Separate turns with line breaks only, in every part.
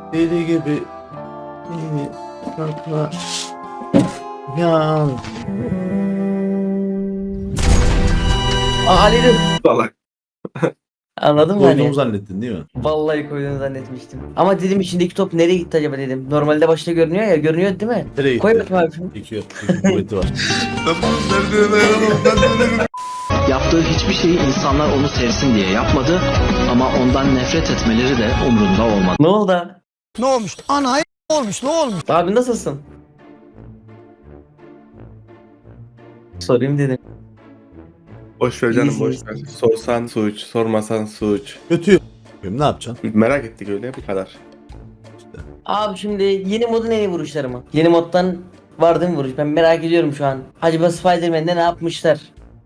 Deli gibi kalkma yan.
Ali'dir.
Salak.
Anladın mı
Koyduğumu
hani?
zannettin değil mi?
Vallahi koyduğunu zannetmiştim. Ama dedim içindeki top nereye gitti acaba dedim. Normalde başta görünüyor ya, görünüyor değil mi?
Nereye gitti?
Koy bakayım abi şunu.
Çekiyor. Çekim kuvveti var.
Yaptığı hiçbir şeyi insanlar onu sevsin diye yapmadı ama ondan nefret etmeleri de umrunda olmadı.
Ne oldu abi?
Ne olmuş? Ana olmuş, ne olmuş?
Abi nasılsın? Sorayım dedim.
Boş ver canım,
İyisin,
boş ver. Sorsan suç, sormasan suç.
Kötü. Ne yapacaksın?
Merak ettik öyle, bu kadar.
Abi şimdi yeni modun en iyi vuruşları mı? Yeni moddan var değil mi vuruş? Ben merak ediyorum şu an. Acaba Spider-Man'de ne yapmışlar?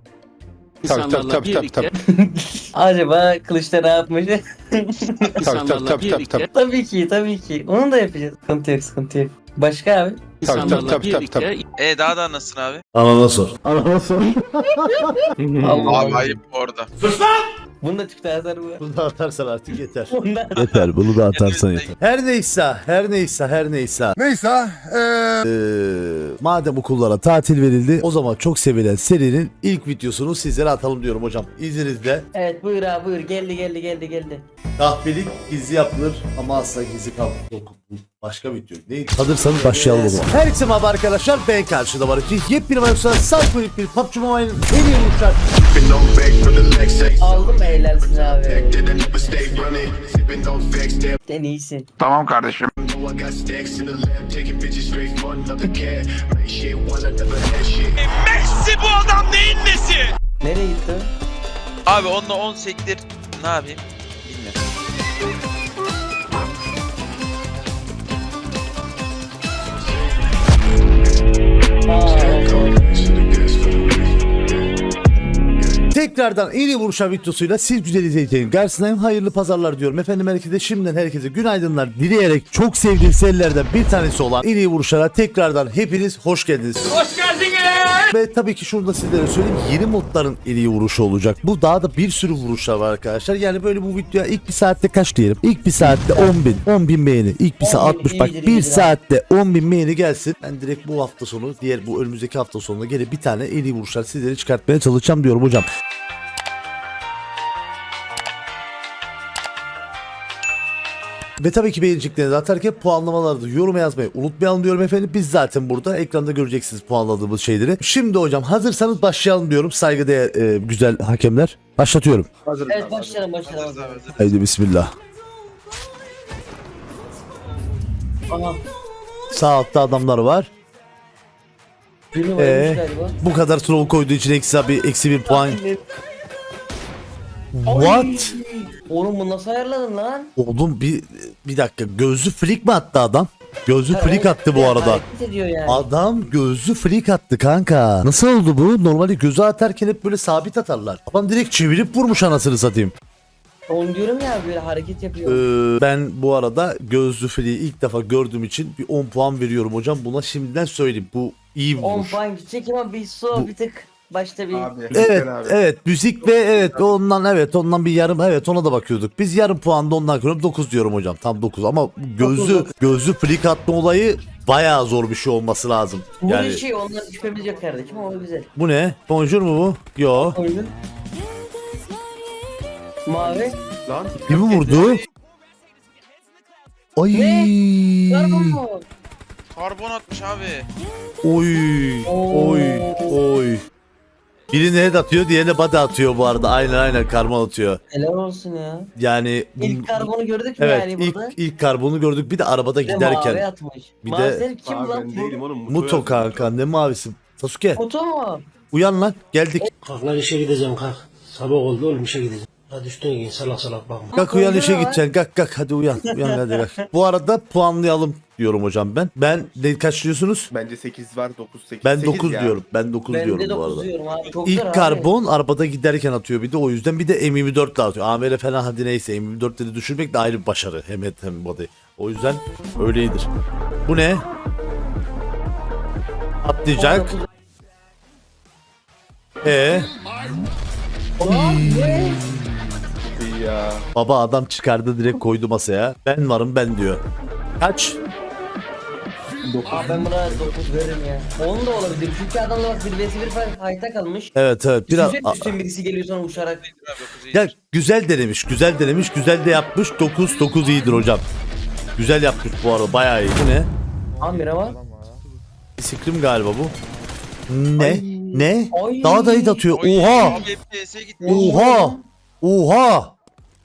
Tabii.
Acaba Kılıç'ta ne yapmış?
Tabii.
Tabii ki, tabii ki. Onu da yapacağız. Sıkıntı yok, sıkıntı yok. Başka abi?
Tabii.
Daha da nasılsın abi?
Anana sor.
Allah
Abi ayıp orada.
Bunu da tüpte yazar bu.
Bunu da atarsan artık yeter.
Bundan.
Yeter, bunu da atarsan
Yeter.
yeter. Her neyse. Madem okullara tatil verildi, o zaman çok sevilen serinin ilk videosunu sizlere atalım diyorum hocam. İzninizle.
Evet buyur abi buyur. Geldi.
Kahpelik gizli yapılır ama asla gizli kalmaz. Başka video neydi? Hazırsanız başlayalım o zaman. Herkese merhaba arkadaşlar, ben karşıda var için yepyeni maçlar Salkonik bir PUBG Mobile'ın en iyi vuruşlar.
Aldım helalsin abi. Sen iyisin.
Tamam kardeşim.
Messi bu adam neyin nesi?
Nereye gitti?
Abi onunla 10 sektir ne yapayım? Bilmiyorum.
Tekrardan en iyi vuruşlar videosuyla siz güzel izleyicilerin karşısındayım. Hayırlı pazarlar diyorum. Efendim herkese şimdiden herkese günaydınlar dileyerek çok sevdiğim serilerden bir tanesi olan en iyi vuruşlara tekrardan hepiniz hoş geldiniz. Hoş geldiniz. Ve tabii ki şunu da sizlere söyleyeyim. Yeni modların en iyi vuruşu olacak. Bu daha da bir sürü vuruşlar var arkadaşlar. Yani böyle bu videoya ilk bir saatte kaç diyelim? İlk bir saatte 10 bin beğeni. İlk bir saat 60 bak
iyidir,
bir
iyidir
saatte 10 bin beğeni gelsin. Ben direkt bu hafta sonu diğer bu önümüzdeki hafta sonuna gelip bir tane en iyi vuruşlar sizlere çıkartmaya çalışacağım diyorum hocam. Ve tabii ki beğeneceklerinizi atarken puanlamalarda yorum yazmayı unutmayalım diyorum efendim. Biz zaten burada ekranda göreceksiniz puanladığımız şeyleri. Şimdi hocam hazırsanız başlayalım diyorum. Saygıdeğer güzel hakemler. Başlatıyorum.
Evet başlayalım.
Hazır.
Haydi bismillah.
Aha.
Sağ altta adamlar var.
Birini varmış galiba.
Bu kadar troll koyduğu için eksi bir puan. What?
Oğlum bunu nasıl ayarladın lan?
Oğlum bir dakika, gözlü flick mi attı adam? Gözlü flick attı bu arada.
Hareket ediyor yani.
Adam gözlü flick attı kanka. Nasıl oldu bu? Normalde gözü atarken hep böyle sabit atarlar. Adam direkt çevirip vurmuş anasını satayım.
Onu diyorum ya böyle hareket yapıyor.
Ben bu arada gözlü flick'i ilk defa gördüğüm için bir 10 puan veriyorum hocam. Buna şimdiden söyleyeyim. Bu iyi bir
10
vuruş.
puan gidecek ama bir
Bu-
bir tık başta bir
Evet müzik ve ondan bir yarım, evet ona da bakıyorduk. Biz yarım puanda ondan kırıyorum, 9 diyorum hocam, tam 9 ama gözlü flick atma olayı bayağı zor bir şey olması lazım.
bu
Yani
şey ondan şüphemiz yok kardeşim ama güzel.
bu ne? Bonjour mu bu? Yo.
Oyunun. Mavi.
Lan
Kimi vurdu? Ay.
Karbon mu?
Karbon atmış abi.
Oy. Oy. Birini head atıyor, diğerine body atıyor bu arada. Aynen karbon atıyor.
Helal olsun ya.
Yani
İlk karbonu gördük mü
evet,
yani burada?
ilk karbonu gördük, bir de arabada
Bir de mavi
giderken.
atmış.
Bir
Mavi
de-
senin kim
abi
lan
ben
bu?
değilim oğlum.
Muto kanka, ne mavisi? Sasuke
Muto mu?
uyan lan, geldik.
Kalk lan işe gideceğim kalk. Sabah oldu oğlum işe gideceğim. Hadi üstüne giyin salak bakma.
Kalk uyan, işe
Koyduğuna
gideceksin. Kalk hadi uyan. Uyan hadi kalk. Bu arada puanlayalım diyorum hocam ben. Ben ne kaç diyorsunuz?
Bence 8 var, 9 8.
Ben 9 diyorum. Ben 9
Ben
diyorum
de
bu
9
arada.
diyorum abi. Çok zor
İlk
abi.
karbon arabada giderken atıyor bir de, o yüzden bir de M24 de atıyor. AMR falan hadi neyse, M24'leri düşürmek de ayrı bir başarı. Hem et hem body. O yüzden öyledir. Bu ne? Atlayacak.
Ne?
Ya.
Baba adam çıkardı direkt koydu masaya. Ben varım ben diyor. Kaç?
Abi ben buna 9 veririm ya. 10 da olabilir. Çünkü adamla bak 1 vs 1 fight'a kalmış.
Evet biraz
Üstün birisi geliyor sonra uçarak.
Abi 9 iyi.
ya güzel denemiş, güzel denemiş, güzel de yapmış. 9 iyidir hocam. Güzel yapmış bu arada, bayağı iyi. Bu ne?
Amira var.
Sikrim galiba bu. Ne? Ne?
Ay.
Daha da iyi atıyor.
Oy,
Oha!
abi FPS'e gitti.
Oha! Oha!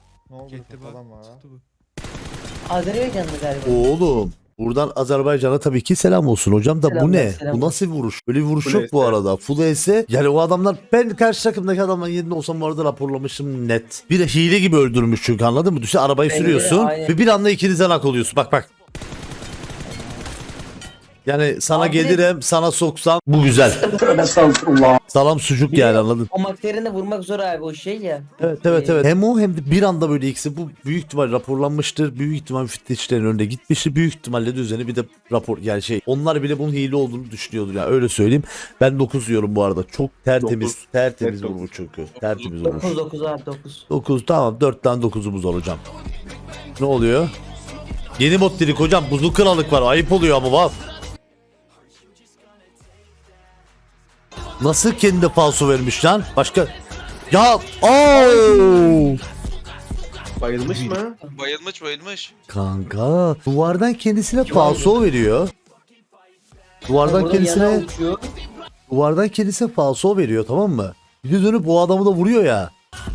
Azerbaycanlı galiba.
Oğlum. Buradan Azerbaycan'a tabii ki selam olsun hocam da bu
Selamlar,
ne?
selamlar.
Bu nasıl bir vuruş? Böyle bir vuruş
Full
yok bu
S.
arada. Full S. Yani o adamlar, ben karşı takımdaki adamların yerinde olsam bu arada raporlamışım net. Bir de hile gibi öldürmüş çünkü, anladın mı? Düşün, arabayı
Bence de,
sürüyorsun
aynen.
ve bir anda ikinizden hak oluyorsun. Bak bak. Yani sana
Abi de-
gelirim, sana soksam bu güzel. Salam sucuk
Bir
yani,
de
anladın?
O makterini vurmak zor abi o şey ya.
Evet. Hem o hem de bir anda böyle ikisi, bu büyük ihtimal raporlanmıştır. Büyük ihtimal müfettişlerin önünde gitmiştir. Büyük ihtimalle de üzerine bir de rapor, yani şey, onlar bile bunun hile olduğunu düşünüyordur yani, öyle söyleyeyim. Ben 9 diyorum bu arada. Çok tertemiz,
Dokuz.
tertemiz
Net
vurmuş çünkü. Tertemiz vurmuş.
9 abi 9.
9 tamam, 4'ten 9'umuz var hocam. Ne oluyor? Yeni mod dedik hocam. Buzlu kralık var. Ayıp oluyor ama bak. Nasıl kendi falso vermiş lan? Başka... Ya ooo!
Bayılmış mı?
Bayılmış.
Kanka duvardan kendisine falso veriyor. Duvardan
Burada yana
kendisine
uçuyor.
duvardan kendisine falso veriyor, tamam mı? Bir de dönüp bu adamı da vuruyor ya.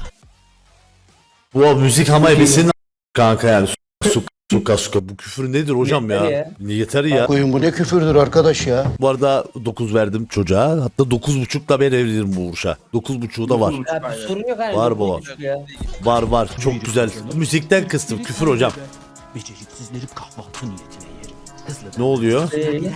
Bu müzik ama ebesinin kanka yani. Suka bu küfür nedir hocam
Yeter
ya?
ya.
Yeter ya.
Koyun bu ne küfürdür arkadaş ya.
Bu arada 9 verdim çocuğa. Hatta 9.5 da ben evlenirim bu vuruşa. 9.5'u da var.
Ya bir sorun yok abi.
Var baba.
Ya.
Var. Çok güzel. Müzikten kıstım. Küfür hocam.
Beceriksizleri kahvaltı niyetine yerim. Hızlı
Ne oluyor?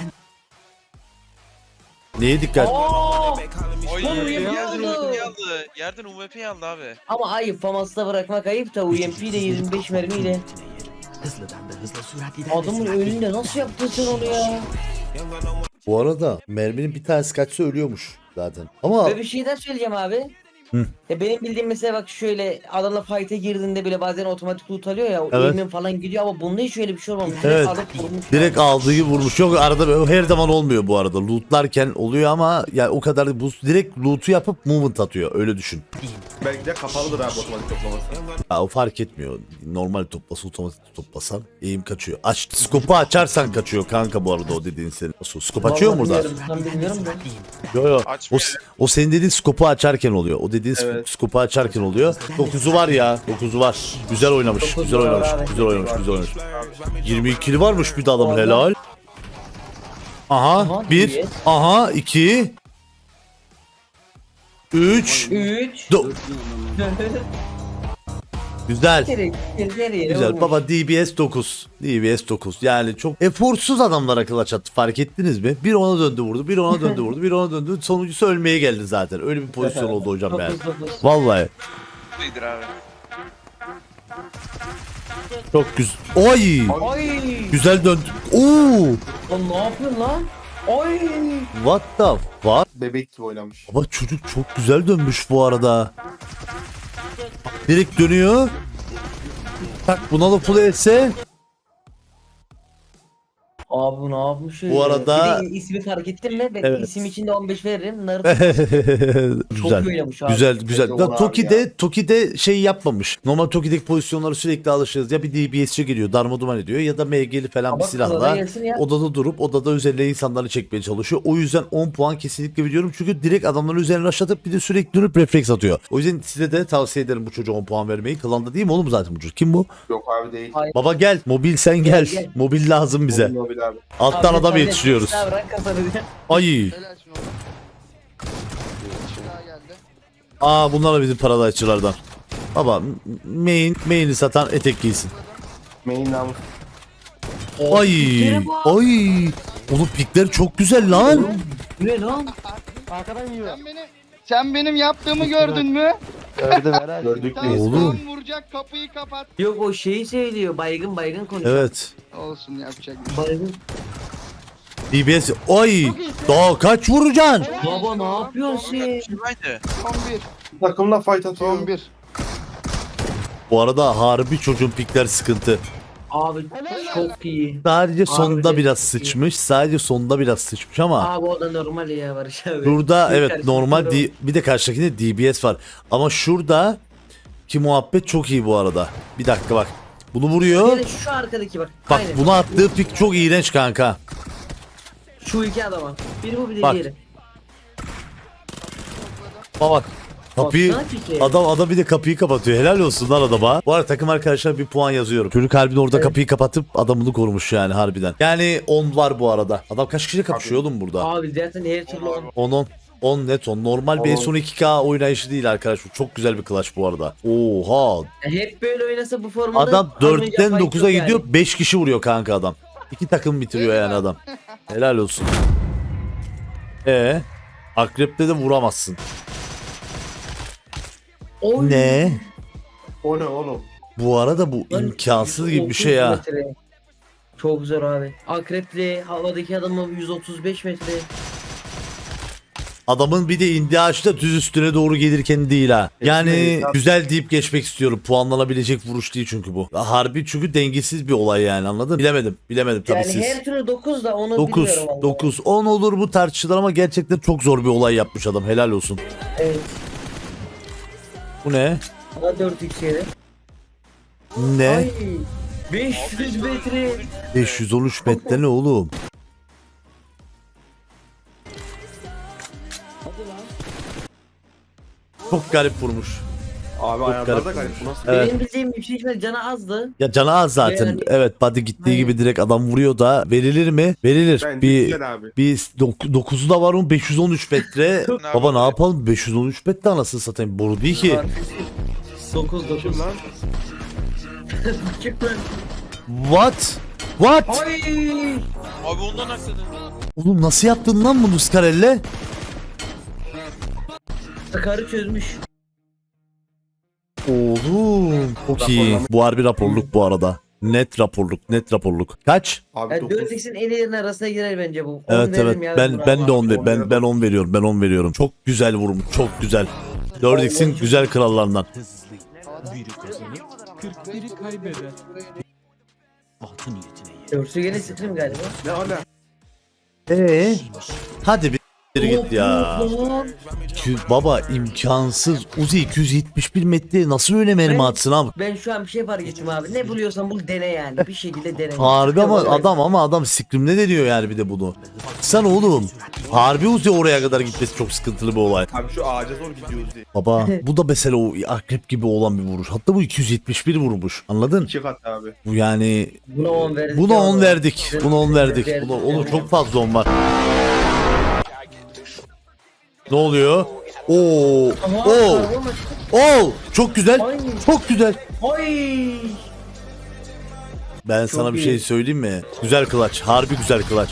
Neye dikkat?
Oy
Oğlum,
yerden
yapıyordu.
UMP'yi aldı. Yerden UMP'yi aldı abi.
Ama ayıp Famas'ta bırakmak ayıp da UMP ile 25 mermiyle.
Hızlıdan da hızlı sürat ilerlesin.
Adamın önünde nasıl yaptın sen onu ya?
Bu arada merminin bir tanesi kaçsa ölüyormuş zaten. Ama
Ve bir şey daha söyleyeceğim abi.
Hı.
Ya benim bildiğim mesela bak şöyle adamla fight'e girdiğinde bile bazen otomatik loot alıyor ya.
Evet.
Evet. falan gidiyor ama bunda hiç öyle bir şey olmamış.
Evet.
Alıp vurmuş.
direkt aldığı gibi vurmuş. Yok, arada her zaman olmuyor bu arada. Lootlarken oluyor ama ya o kadar, bu direkt loot'u yapıp movement atıyor. Öyle düşün.
Belki de kapalıdır abi otomatik toplaması.
Ya o fark etmiyor. Normal toplasa, otomatik toplasan eğim kaçıyor. Skopu açarsan kaçıyor kanka bu arada o dediğin senin. Skop açıyor mu burada?
Ben bilmiyorum da.
Yok.
Açmıyor.
O senin dediğin skopu açarken oluyor. O dediğin
Evet.
skopu açarken oluyor. 9'u var ya. 9'u var. Güzel oynamış.
Dokuzu
Güzel
var
oynamış.
abi.
Güzel oynamış. Güzel oynamış. 22'li varmış bir de adamın, helal. Aha
Aha,
1.
iyi.
Aha 2. 3.
3.
Güzel.
Güzel
Güzel baba, DBS 9. DBS 9. Yani çok eforsuz adamlara kılıç attı, fark ettiniz mi? Bir ona döndü vurdu, bir ona döndü vurdu, bir ona döndü. Sonuncusu ölmeye geldi zaten. Öyle bir pozisyon oldu hocam yani. Vallahi
Buydur abi.
çok güzel. Oy!
Ay.
Güzel döndü. Oo!
Lan ne yapıyorsun lan? Ay.
What the fuck?
Bebek gibi oynamış.
Ama çocuk çok güzel dönmüş bu arada. Direkt dönüyor. Tak, buna da full etse.
Abi ne yapmış öyle?
Bu arada-
Bir de ismi fark ettin mi? Ben
Evet.
isim için de 15 veririm. Naruto
Güzel.
çok oynamış abi.
Güzel.
Çok
Ya,
abi
Toki'de şey yapmamış. Normal Toki'deki pozisyonları sürekli alışırız. Ya bir DBS'ci geliyor, darmaduman ediyor, ya da MG'li falan
Ama
bir
kızada
silahla
gelsin ya.
odada durup odada üzerine insanları çekmeye çalışıyor. O yüzden 10 puan kesinlikle veriyorum. Çünkü direkt adamların üzerine aşatıp bir de sürekli dönüp refleks atıyor. O yüzden size de tavsiye ederim bu çocuğa 10 puan vermeyi. Klanda değil mi oğlum zaten bu çocuk? Kim bu?
Yok abi değil.
Ay.
Baba gel. Mobil sen gel.
Gel.
Mobil lazım bize.
Mobil abi.
Alttan
Abi,
adam
tabii,
yetiştiriyoruz.
silah bırak kafanı diye.
Ay. Bunlar da bizim paradaççılardan. Baba main'i satan etek giysin.
Main namus.
Ay.
piklere bak.
Ay. Oğlum pikler çok güzel lan.
Bu ne lan?
Sen benim yaptığımı gördün mü?
Gördük
Sen
biz.
Oğlum.
son vuracak kapıyı kapat.
Yok o şeyi söylüyor. Baygın konuşuyor.
Evet.
Olsun yapacak bir şey.
Baygın.
DBS. Ay. Daha kaç vuracaksın?
Baba ne yapıyorsun sen?
Şuradaydı.
Son bir.
Takımla fight atıyor.
Son bir.
Bu arada harbi çocuğun pikler sıkıntı.
Abi çok iyi.
Sadece sonda
Abi,
biraz
iyi.
sıçmış. Sadece sonda biraz sıçmış ama
Abi o da normal ya Barış abi.
şurada
Bir
evet
karşılıklı
normal
durum.
bir de karşıdakinde DBS var. Ama şurada ki muhabbet çok iyi bu arada. Bir dakika bak. Bunu vuruyor.
Bir de şu arkadaki bak.
Bak
Aynen.
bunu attığı pik çok iğrenç kanka.
Şu iki adama. Biri bu bir de
Bak.
diğeri.
Bak. Kapıyı
Baksana piki.
adam bir de kapıyı kapatıyor. Helal olsun lan adama. Bu arada takım arkadaşlar bir puan yazıyorum. Çocuk harbiden orada
Evet.
kapıyı kapatıp adamını korumuş yani harbiden. Yani 10 var bu arada. Adam kaç kişiyle kapışıyor oğlum burada?
Abi zaten her türlü
10 net 10. Normal bir
10.
son 2K oynayışı değil arkadaşlar. Çok güzel bir clutch bu arada. Oha.
hep böyle oynasa bu formada
Adam
alınacak
4'ten
fight
9'a
yok
gidiyor.
yani.
5 kişi vuruyor kanka adam. 2 takım bitiriyor yani adam. Helal olsun. Akrep'te de vuramazsın.
Oy.
Ne?
O ne oğlum?
Bu arada bu
Lan
imkansız gibi bir
130
şey ya.
metre. Çok zor abi. Akrepli havadaki adamı 135 metre.
Adamın bir de indiği ağaçta düz üstüne doğru gelirken değil ha. Yani
Geçmeyiz.
güzel deyip geçmek istiyorum. Puanlanabilecek vuruş değil çünkü bu. Harbi çünkü dengesiz bir olay yani anladın? Bilemedim tabii
Yani
siz.
her türlü 9 da onu
9,
bilmiyorum vallahi.
9, 10 olur bu tartışılır ama gerçekten çok zor bir olay yapmış adam. Helal olsun.
Evet.
Bu ne?
Ama 4 x'ydi.
Ne?
Ay. 500 metre.
513 metre ne oğlum? Çok garip vurmuş.
Abi
garip.
ayarlarda garip. Bu nasıl?
Evet.
Benim bildiğim yüksek ihtimal canı azdı.
Ya canı az zaten.
Yani-
Evet body gittiği
Aynen.
gibi direkt adam vuruyor da verilir mi? Verilir.
Bence
bir
güzel abi.
bir 9'u da var mı? 513 metre. Baba ne yapalım? 513 metre anasını satayım. Boru değil ki.
9.
Kim lan?
Çık lan.
What? What?
Ay.
Abi ondan aksadın.
Oğlum nasıl yaptın lan bunu Scarelle?
Sakarı çözmüş.
Oğlum çok iyi. Bu harbi raporluk bu arada. Net raporluk. Kaç?
Abi
Yani
9.
4x'in en iyilerinin arasına girer bence bu. 10
Evet
veririm ya
ben
buna.
ben de 10
abi.
ben 10 veriyorum. Ben 10 veriyorum. Çok güzel vurmuş. Çok güzel. 4x'in güzel krallarından.
Hızlı. Biri kazanır, 41'i kaybeder. Kahvaltı niyetine yer.
Dörtü gene sıkırım galiba.
Ne ala?
Hadi bir git ya.
Lan.
Baba imkansız. Uzi 271 metre nasıl öyle mermi atsın abi?
Ben şu an bir şey fark ettim abi. Ne buluyorsan bul dene yani. Bir şekilde dene.
Harbi ama
Yok,
adam sikrimle de diyor yani bir de bunu. Sen oğlum. Harbi Uzi oraya kadar gitmesi çok sıkıntılı bir olay.
Abi şu ağaca zor gidiyoruz diye.
Baba bu da mesela o akrep gibi olan bir vuruş. Hatta bu 271 vurmuş. Anladın?
2 kat abi.
Bu yani
Buna 10 verdik.
buna
ya
10
oğlum.
verdik. Buna 10 verdik. Oğlum çok fazla 10 var. Ne oluyor? Oo.
Aha,
Oo.
araba mı?
Oo. Çok güzel.
Ay.
Çok güzel.
Ay.
Ben sana bir şey
iyi.
söyleyeyim mi? Güzel clutch. Harbi güzel clutch.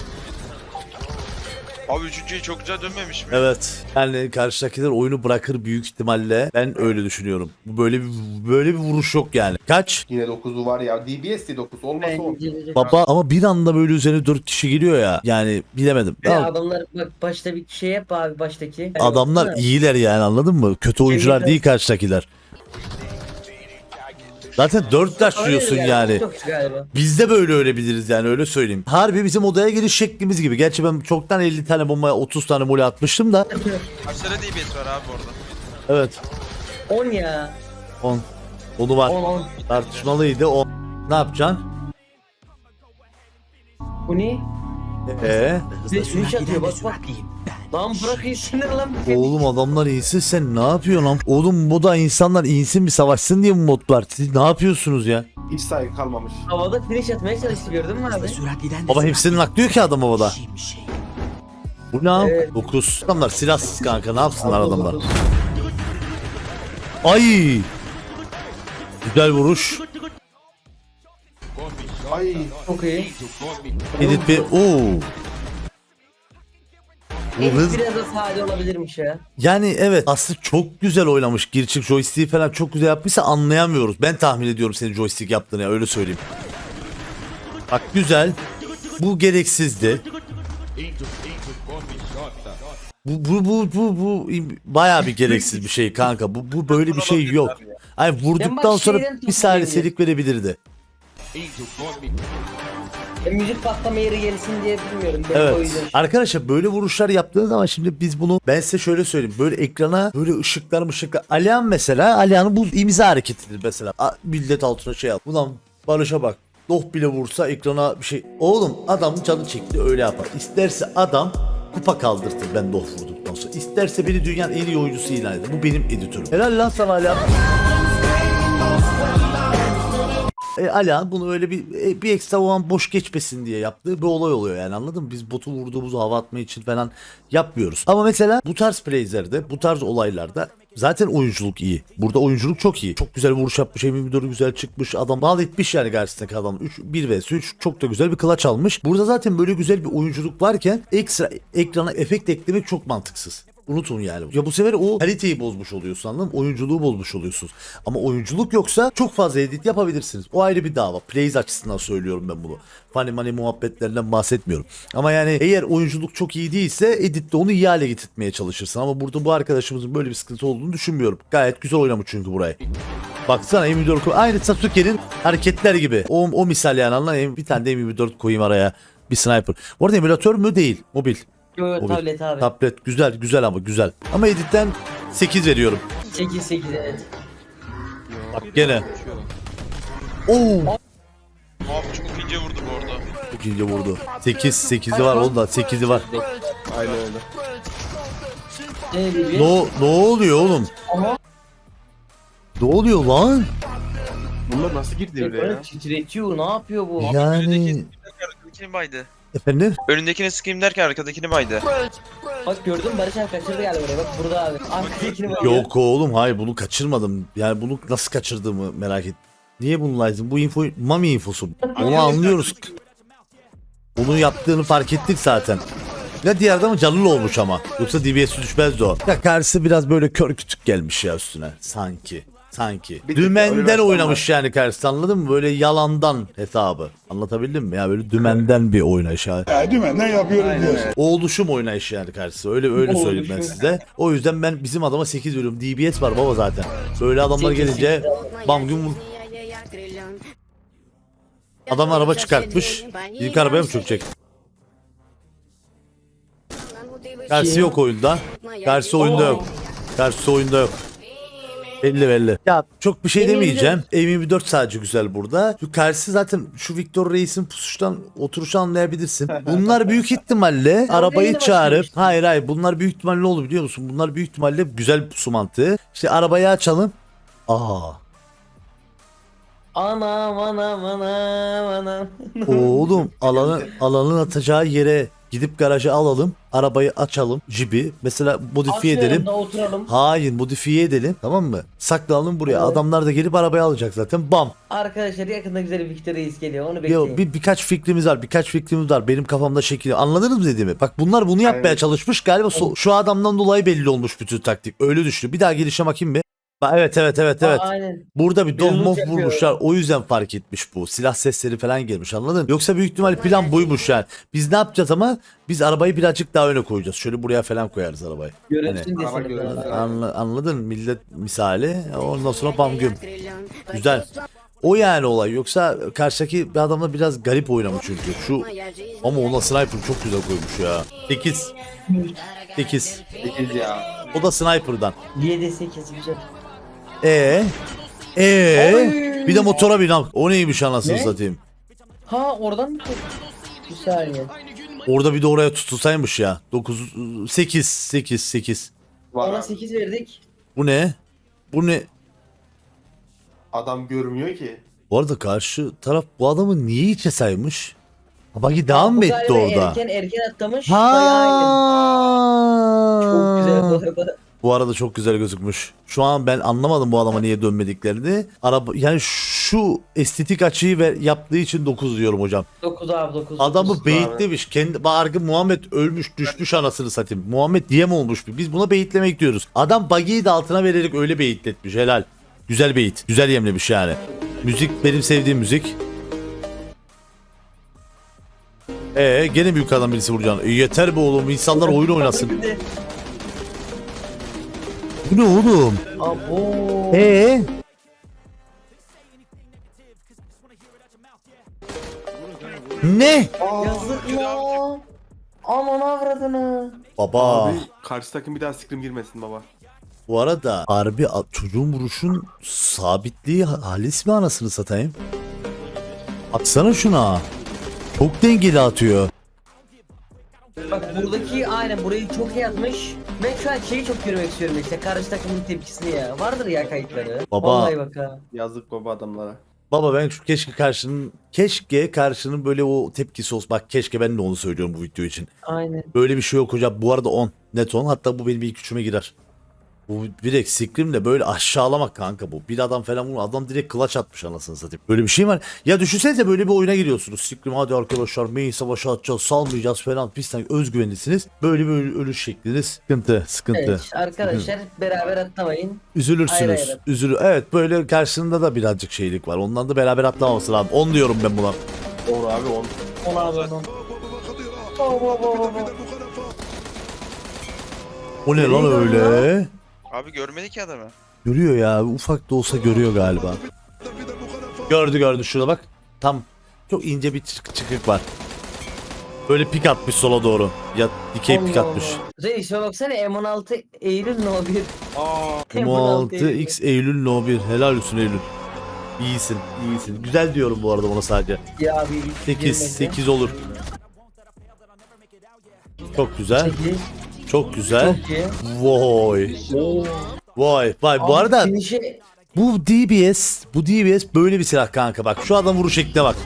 Abi üçüncüyü çok güzel dönmemiş mi?
Evet. Yani karşıdakiler oyunu bırakır büyük ihtimalle. Ben öyle düşünüyorum. Bu böyle bir vuruş yok yani. Kaç?
Yine 9'u var ya. DBS de 9 olmasa 10.
Bence.
Baba ama bir anda böyle üzerine 4 kişi geliyor ya. Yani bilemedim.
Ya
Ya,
adamlar bak başta bir şey yap abi baştaki.
adamlar
Baksana.
iyiler yani anladın mı? Kötü oyuncular değil karşıdakiler. Zaten 4 taşlıyorsun
Hayır
yani.
Çok galiba.
Biz de böyle ölebiliriz yani öyle söyleyeyim. Harbi bizim odaya giriş şeklimiz gibi. Gerçi ben çoktan 50 tane bombaya 30 tane mole atmıştım da.
Kaç tane DBS var abi orada?
Evet.
10 ya.
10. Onu var.
10.
Tartışmalıydı. 10. Ne yapacaksın?
Bu ne?
Hızla
Beş
sürat
atıyor,
giden de
bak, bak.
süratliyim ben.
Lan bırak iyisinler lan.
Oğlum adamlar iyisin sen ne yapıyorsun lan? Oğlum bu da insanlar insin bir savaşsın diye mi mod var? Siz ne yapıyorsunuz ya?
Hiç saygı kalmamış.
Havada finish atmaya çalıştı gördün mü abi?
Hızla sürat giden de
Baba hepsinin aklıyor ki adam havada.
Şimşek.
Bu ne?
Evet.
9. Adamlar silahsız kanka ne yapsınlar adamlar? Ay! Güzel vuruş.
Ay.
Çok iyi.
Edit bir... Oo! Bu hız...
Biraz da sade olabilirmiş ya.
Yani evet aslında çok güzel oynamış. Girçik joystick'i falan çok güzel yapmışsa anlayamıyoruz. Ben tahmin ediyorum senin joystick yaptığını ya öyle söyleyeyim. Bak güzel. Bu gereksizdi. Bu bayağı bir gereksiz bir şey kanka. Bu böyle bir şey yok. Ay vurduktan
bak
sonra
şeyden
bir saniye
tutmayayım
selik verebilirdi.
Müzik patlama yeri gelsin diye bilmiyorum. Belki o
Evet.
yüzden.
Arkadaşlar böyle vuruşlar yaptığınız zaman şimdi biz bunu, ben size şöyle söyleyeyim. Böyle ekrana böyle ışıklar. Alihan mesela, Alihan'ın bu imza hareketidir mesela. Millet altına şey yap. Ulan Barış'a bak. Doh bile vursa ekrana bir şey. Oğlum adam canı çekti öyle yapar. İsterse adam kupa kaldırtır ben doh vurduktan sonra. İsterse beni dünyanın en iyi oyuncusu ilan eder. Bu benim editörüm. Helal lan sana Alihan. Alihan bunu öyle bir ekstra o an boş geçmesin diye yaptığı bir olay oluyor yani, anladın mı? Biz botu vurduğumuzu hava atma için falan yapmıyoruz. Ama mesela bu tarz playzlerde, bu tarz olaylarda zaten oyunculuk iyi. Burada oyunculuk çok iyi. Çok güzel vuruş yapmış, M24'ü güzel çıkmış. Adam bal etmiş yani karşısındaki adam. 1 vs 3 çok da güzel bir clutch almış. Burada zaten böyle güzel bir oyunculuk varken ekstra ekrana efekt eklemek çok mantıksız. Unutun yani. Ya bu sefer o kaliteyi bozmuş oluyorsun, anladın mı? Oyunculuğu bozmuş oluyorsunuz. Ama oyunculuk yoksa çok fazla edit yapabilirsiniz. O ayrı bir dava. Plays açısından söylüyorum ben bunu. Funny money muhabbetlerinden bahsetmiyorum. Ama yani eğer oyunculuk çok iyi değilse editte onu iyi hale getirtmeye çalışırsın. Ama burada bu arkadaşımızın böyle bir sıkıntı olduğunu düşünmüyorum. Gayet güzel oynamış çünkü burayı. Baksana M24 aynı Sasuke'nin hareketler gibi. O misal yani, anladın. Bir tane de M24 koyayım araya. Bir sniper. Bu arada emülatör mü değil? Mobil.
Yo,
Mobil.
tablet abi.
Tablet güzel ama güzel. Ama editten 8 veriyorum.
8 evet.
Bak gene. Oo.
Abi çok ince vurdu bu arada.
Çok ince vurdu. 8'i var onda 8'i var.
Aynen öyle.
Ne oluyor oğlum?
Aha.
Ne oluyor lan?
Bunlar nasıl girdi öyle ya?
Titretiyor, ne yapıyor bu?
Yani
Arkadakini baydı.
efendim?
Önündekini sıkayım derken arkadakini baydı.
Bak gördün mü, Barış abi kaçırdı galiba oraya, bak burada abi. Arkadakini bak.
Yok oğlum, hayır bunu kaçırmadım. Yani bunu nasıl kaçırdığımı merak ettim. Niye bunu lazım? Bu info Mami infosu. Onu anlıyoruz. Onu yaptığını fark ettik zaten. Ya diğer adamın canlı olmuş ama. Yoksa DBS'i düşmezdi o. Ya karşısı biraz böyle kör kütük gelmiş ya üstüne. Sanki.
Bir tık
Dümenden
öyle
oynamış yani karşısı, anladın mı? Böyle yalandan hesabı. Anlatabildim mi? Ya böyle dümenden bir oynayış.
Dümenden yapıyorum diyorsun.
O oluşum oynayış yani karşısı. Öyle söyleyeyim ben size. O yüzden ben bizim adama 8 veriyorum. DBS var baba zaten. Böyle adamlar gelince bam gün vur. Adam araba çıkartmış. İlk arabaya mı çökecek? Karşı yok oyunda. Karşı oyunda yok. Karşı oyunda yok. Belli. Ya çok bir şey demeyeceğim. M24 sadece güzel burada. Şu karşısı zaten şu Victor Reis'in pusuştan oturuşu anlayabilirsin. Bunlar büyük ihtimalle arabayı
yeni
çağırıp
başlamış.
hayır bunlar büyük ihtimalle ne olur biliyor musun? Bunlar büyük ihtimalle güzel bir pusu mantığı. İşte arabayı açalım.
Anam.
Oğlum alanın atacağı yere gidip garajı alalım. Arabayı açalım. Jibi. Mesela modifiye edelim.
Oturalım.
Hayır modifiye edelim. Tamam mı? Saklanalım buraya.
Evet.
Adamlar da gelip arabayı alacak zaten. Bam.
Arkadaşlar yakında güzel bir Victor Reis geliyor, onu bekleyin.
Yo, birkaç fikrimiz var. Benim kafamda şekil. Anladınız mı dediğimi? Bak bunlar bunu yapmaya
Aynen.
çalışmış. Galiba şu adamdan dolayı belli olmuş bütün taktik. Öyle düşünüyor. Bir daha gelişe bakayım bir. Evet.
Aynen.
Burada bir
Bir loot
dohmof
yapıyor.
vurmuşlar. O yüzden fark etmiş bu. Silah sesleri falan gelmiş, anladın mı? Yoksa büyük ihtimal plan buymuş yani. Biz ne yapacağız ama biz arabayı birazcık daha öne koyacağız. Şöyle buraya falan koyarız arabayı.
Görünsün
Araba
desene.
görünsün.
Anladın mı? Millet misali. Ondan sonra bam güm. Güzel. O yani olay. Yoksa karşıdaki bir adamla biraz garip oynamış çünkü. Ama ona sniper çok güzel koymuş ya. 8.
8 ya.
O da sniper'dan.
7-8 güzel.
Bir de motora bin. O neymiş anasını
Ne?
satayım.
Ha oradan mı? Bir saniye.
Orada bir de oraya tutulsaymış ya. 8.
Var
Ona
abi.
8 verdik.
Bu ne?
Adam görmüyor ki.
Bu arada karşı taraf bu adamı niye içe saymış? Bagi devam mı
Bu
etti
galiba
orada?
Erken atlamış. Bayağı iyi. Çok güzel bu arada.
Bu arada çok güzel gözükmüş. Şu an ben anlamadım bu adama niye dönmediklerini. Yani şu estetik açıyı yaptığı için 9 diyorum hocam.
9 abi 9.
Adamı beyitlemiş. Kendi bargı Muhammed ölmüş düşmüş anasını satayım. Muhammed diye mi olmuş? Biz buna beyitlemek diyoruz. Adam bagiyi de altına vererek öyle beyitletmiş. Helal. Güzel beyit. Güzel yemlemiş yani. Müzik benim sevdiğim müzik. Gene büyük adam birisi vuracaksın. Yeter be oğlum. İnsanlar oyun oynasın. Bu ne oğlum?
Abo.
Ne?
Yazık ya. Aman avradını.
Baba.
Abi karşı takım bir daha scrim girmesin baba.
Bu arada harbi çocuğun vuruşun sabitliği halis mi anasını satayım? Atsana şuna. Çok dengeli atıyor.
Bak buradaki aynen burayı çok iyi atmış. Ben şu an şeyi çok görmek istiyorum işte karşı takımın tepkisini ya. Vardır ya kayıtları.
Baba.
Vallahi bak ha.
Yazık baba adamlara.
Baba ben şu keşke karşının böyle o tepkisi olsun. Bak keşke ben de onu söylüyorum bu video için.
Aynen.
Böyle bir şey yok hocam. Bu arada 10. Net 10. Hatta bu benim ilk üçüme girer. Bu direkt scrimle böyle aşağılamak kanka bu. Bir adam falan vurma. Adam direkt clutch atmış anasını satayım. Böyle bir şey var. Ya düşünsenize böyle bir oyuna giriyorsunuz. Scrim hadi arkadaşlar main savaşı atacağız. Salmayacağız falan. Pistan özgüvenlisiniz. Böyle ölüş şekliniz. Sıkıntı.
Evet arkadaşlar beraber atlamayın.
Üzülürsünüz.
Ayrı ayrı.
Evet böyle karşısında da birazcık şeylik var. Ondan da beraber atlamaması lazım. 10 diyorum ben buna.
Doğru abi 10.
Ona abone ol.
O ne lan öyle?
Abi görmedi ki adamı.
Görüyor ya. Ufak da olsa görüyor galiba. Gördü şurada bak. Tam çok ince bir çıkık var. Böyle pik atmış sola doğru. Ya dikey pik atmış.
Reis baksana M16 Eylül no 1.
Aa.
M6X Eylül No 1. Helal olsun Eylül. İyisin. Güzel diyorum bu arada ona sadece.
Ya bir
8 olur. Çok güzel.
8.
Çok güzel.
Çok iyi.
Vay. Vay. Bu
Abi
arada
finish'i-
bu DBS böyle bir silah kanka bak. Şu adam vuruş şekline bak.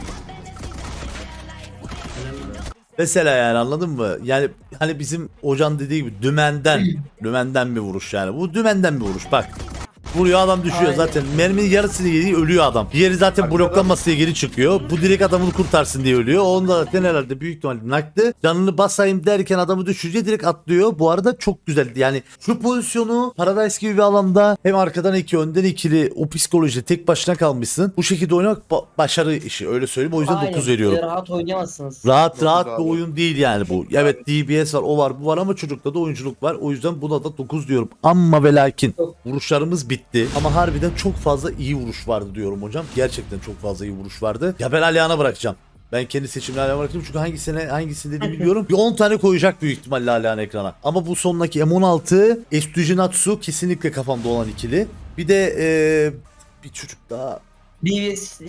Mesela yani anladın mı? Yani hani bizim hocan dediği gibi dümenden bir vuruş yani. Bu dümenden bir vuruş bak. Vuruyor adam düşüyor
Aynen.
zaten. Merminin yarısını yediği ölüyor adam. Diğeri zaten bloklanması diye geri çıkıyor. Bu direkt adamını kurtarsın diye ölüyor. Onda zaten herhalde büyük ihtimalle naktı. Canını basayım derken adamı düşürünce direkt atlıyor. Bu arada çok güzeldi. Yani şu pozisyonu Paradise gibi bir alanda hem arkadan 2 önden ikili o psikolojide tek başına kalmışsın. Bu şekilde oynamak başarı işi öyle söyleyeyim. O yüzden
Aynen,
9 veriyorum.
rahat oynayamazsınız.
Rahat
abi.
bir oyun değil yani bu. Evet DBS var o var bu var ama çocukta da oyunculuk var. O yüzden buna da 9 diyorum. Amma ve lakin vuruşlarımız bitti. Ama harbiden çok fazla iyi vuruş vardı diyorum hocam. Gerçekten çok fazla iyi vuruş vardı. Ya ben Alihan'a bırakacağım. Ben kendi seçimini Alihan'a bırakacağım. Çünkü hangisini dediğimi biliyorum. Bir 10 tane koyacak büyük ihtimalle Alihan ekrana. Ama bu sondaki M16 Estujinatsu kesinlikle kafamda olan ikili. Bir de bir çocuk daha
BBS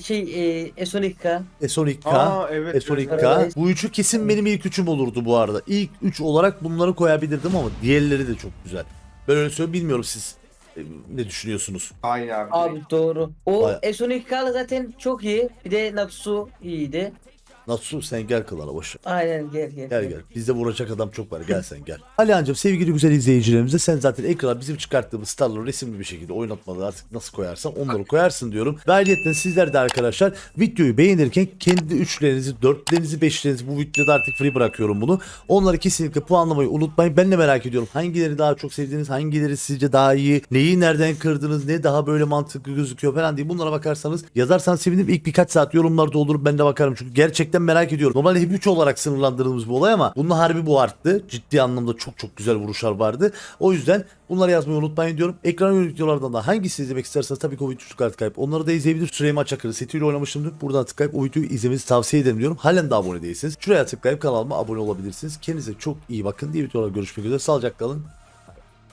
S12K.
S12K.
Aa, evet,
S12K.
evet.
Bu üçü kesin benim ilk üçüm olurdu bu arada. İlk 3 olarak bunları koyabilirdim ama diğerleri de çok güzel. Ben öyle söyleyeyim bilmiyorum siz ne düşünüyorsunuz?
Aynen abi.
Abi doğru. O
Baya-
S12K zaten çok iyi. Bir de Natsu iyiydi.
Natsu sen gel kılana boş ver.
Aynen gel.
Gel. Bizde vuracak adam çok var. Gel sen gel. Alihan'cığım sevgili güzel izleyicilerimize sen zaten ekrana bizim çıkarttığımız starları resimli bir şekilde oynatmalı artık nasıl koyarsan onları koyarsın diyorum. Ve ayrıca sizler de arkadaşlar videoyu beğenirken kendi üçlerinizi, dörtlerinizi, beşlerinizi bu videoda artık free bırakıyorum bunu. Onları kesinlikle puanlamayı unutmayın. Ben de merak ediyorum. Hangileri daha çok sevdiğiniz, hangileri sizce daha iyi, neyi nereden kırdınız, ne daha böyle mantıklı gözüküyor falan diye bunlara bakarsanız yazarsanız sevinirim. İlk birkaç saat yorumlarda olur ben de bakarım çünkü gerçekten merak ediyorum. Normalde hep 3 olarak sınırlandırdığımız bir olay ama bunun harbi bu arttı. Ciddi anlamda çok güzel vuruşlar vardı. O yüzden bunları yazmayı unutmayın diyorum. Ekran yönelik videolardan da hangisini izlemek isterseniz tabii ki o videoyu tıklayıp onları da izleyebilir. Süleyman Çakır'ı setiyle oynamıştım. Buradan tıklayıp o videoyu izlemenizi tavsiye ederim diyorum. Halen de abone değilseniz şuraya tıklayıp kanalıma abone olabilirsiniz. Kendinize çok iyi bakın diye videolarda görüşmek üzere. Sağlıcakla kalın.